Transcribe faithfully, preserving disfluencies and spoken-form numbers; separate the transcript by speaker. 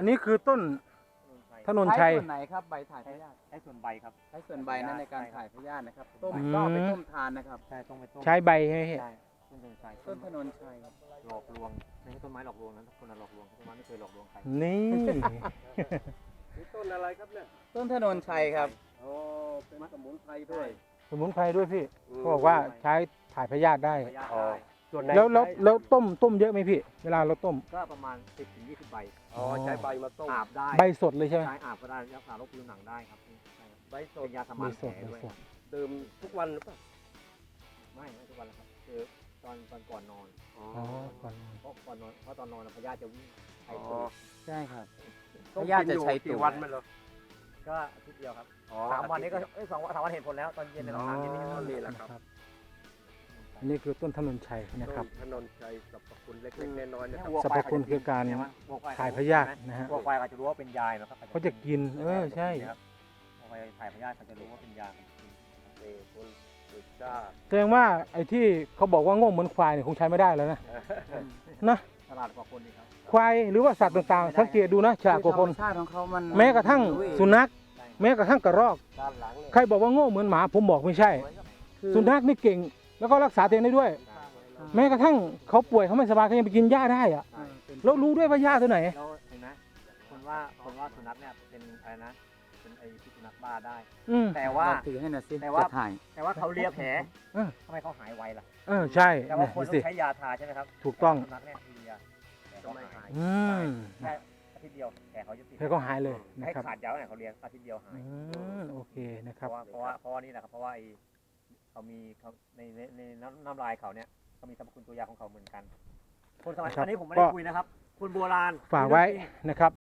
Speaker 1: อันนี้คือต้นถนนชัย
Speaker 2: ใช้ส่วนไหนครับใบถ่ายพยาธิ
Speaker 3: ใช้ส่วนใบครับ
Speaker 2: ใช้ส่วนใบนั้นในการถ่ายพยาธินะครับต้ม
Speaker 1: อืม
Speaker 2: ก็เอาไปต้มทานนะครับ
Speaker 3: ใช่ต้องไปต้ม
Speaker 1: ใช้ใบใช่ไหมพี่
Speaker 3: ใช่ต้นถนนชัย
Speaker 2: ต้นถนนชัยครับ
Speaker 3: หลอกลวงไม่ใช่ต้นไม้หลอกลวงนะทุกคนหลอกลวงต้นไม้ไม่เคยหลอกลวงใคร
Speaker 1: นี่
Speaker 4: นี่ต้นอะไรครับเนี่ย
Speaker 2: ต้นถนนชัยครับ
Speaker 4: อ๋อเป็นสมุนไพรด้วย
Speaker 1: สมุนไพรด้วยพี่เขาบอกว่าใช้ถ่ายพยาธิได้
Speaker 3: พยาธิ
Speaker 4: อ๋อ
Speaker 3: ได้
Speaker 4: ส่วนไหน
Speaker 1: แล้วแล้ว
Speaker 4: ใช้
Speaker 1: แล้วต้มต้มเยอะไหมพี่ เวลาเราต้ม
Speaker 3: ก็ประมาณสิบถึงยี่สิบใบ
Speaker 4: อ๋อใช้ใบมาต้ม
Speaker 3: อาบได้
Speaker 1: ใบสดเลยใช่ไหม
Speaker 3: ใช้อาบก็ได้รักษาโรคผิวหนังได้ครับใช่
Speaker 4: ใบส
Speaker 3: เป็
Speaker 4: ด
Speaker 3: นยาส
Speaker 1: ใบ
Speaker 3: มาน
Speaker 1: ส
Speaker 3: แผ
Speaker 1: ด
Speaker 3: ล
Speaker 1: ใบ
Speaker 3: ด้วย
Speaker 1: สด
Speaker 4: ดื่มทุกวันหรือเปล่า
Speaker 3: ไม่ไม่ทุกวันแล้วครับคือตอนตอนก่อนนอน
Speaker 4: อ๋อ
Speaker 1: อ๋อก่อน
Speaker 3: เพราะก่อนนอนเพราะตอนนอนพยาธิจะวิ่งไข้
Speaker 4: อ๋อ
Speaker 3: ตูด
Speaker 2: ใช่ครับ
Speaker 4: ต้ม
Speaker 2: พยาธิจะใช้
Speaker 4: กินอยู่
Speaker 2: ตัว
Speaker 4: กี่วันไหมเหรอ
Speaker 3: ก็อาทิตย์เดียวครับ
Speaker 4: อ๋อ
Speaker 3: สามวันนี้ก็เอ้ยสองวันสามวันเห็นผลแล้วตอนเย็นใน
Speaker 4: อ๋อ
Speaker 3: สามเย็นนี่ก็
Speaker 4: นี่
Speaker 3: เห็น
Speaker 4: แห
Speaker 3: ผล
Speaker 4: ละครับ
Speaker 1: นะครับอันนี้คือต้นถนนชัยนะครับ
Speaker 4: ต้นถนนชัยสรรพคุณเล็กๆน้อยๆนะครับ
Speaker 3: วัว
Speaker 1: สรรพคุณคือการ
Speaker 3: เนี่ยวัวคว
Speaker 1: ถ่ายพยาธินะฮะ
Speaker 3: วัวควายเขาจะรู้ว่าเป็นยานะครับ
Speaker 1: เขาจะกินเออใช่
Speaker 3: ครับวัวควายถ่ายพยาธิเขาจะรู้ว่าเป็นยาครับ
Speaker 4: นี่คุณสุชาติ
Speaker 1: แสดงว่าไอ้ที่เขาบอกว่าโง่เหมือนควายเนี่ยคงใช้ไม่ได้แล้วนะนะ
Speaker 3: ตลาดกว่าคนดีครับ
Speaker 1: ควายหรือว่าสัตว์ต่างๆ สังเกตดูนะฉลาดกว่าคน
Speaker 2: ธรรมชาติของเขามัน
Speaker 1: แม้กระทั่งสุนัข
Speaker 3: ใช่
Speaker 1: แม้กระทั่งกระรอก
Speaker 4: ด้านหลังเนี่ย
Speaker 1: ใครบอกว่าโง่เหมือนหมาผมบอกไม่ใช่
Speaker 2: คือ
Speaker 1: สุนัขนี่เก่ง แล้วก็รักษาตัวเองได้ด้วย แม้กระทั่งเขาป่วยเขาไม่สบายเขายังไปกินหญ้าได้อะ
Speaker 2: เออเป็น
Speaker 1: แล้วรู้ด้วยว่าหญ้าตัวไหน
Speaker 3: แล้วเห็นไหมคนว่าคนว่าสุนัขเนี่ยเป็นอะไรนะเป็นไอ้พิษสุนัขบ้าได้
Speaker 1: อืม
Speaker 3: แต่ว่า
Speaker 2: ลองถือให้หน่อยสิ
Speaker 3: แต่ว่า
Speaker 2: จะถ่าย
Speaker 3: แต่ว่าเขาเลียแผล
Speaker 1: เออ
Speaker 3: ทำไมเขาหายไวล่ะ
Speaker 1: เออใช่
Speaker 3: แต่ว่า
Speaker 1: เนี่ย
Speaker 3: คน
Speaker 1: ดู
Speaker 3: ต้อ
Speaker 1: สิ
Speaker 3: งใช้ยาทาใช่ไหมครับ
Speaker 1: ถูกต้อง
Speaker 3: สุนัขเนี่ยเลียแผลเขาหาย
Speaker 1: อืม
Speaker 3: แค่อาทิตย์เดียวแผลเขาจะติด
Speaker 1: แล้วก็หายเลยนะ
Speaker 3: ให้
Speaker 1: ครับ
Speaker 3: ขาดยาเนี่ยเขาเลียอาทิตย์เดียวหาย
Speaker 1: อืมโอเคนะค
Speaker 3: เพ
Speaker 1: รับ
Speaker 3: ราะว่าเพราะว่าเพราะว่านี่แหละครับเพราะว่าไอ้เขามีเขาในในในน้ำน้ำลายเขาเนี่ยเขามีสรรพคุณตัวยาของเขาเหมือนกัน คนสมัย
Speaker 1: ครับ
Speaker 3: อันนี้ผมไม่
Speaker 1: ก็
Speaker 3: ได้คุยนะครับ คนโบราณ
Speaker 1: ฝากไว้นะครับ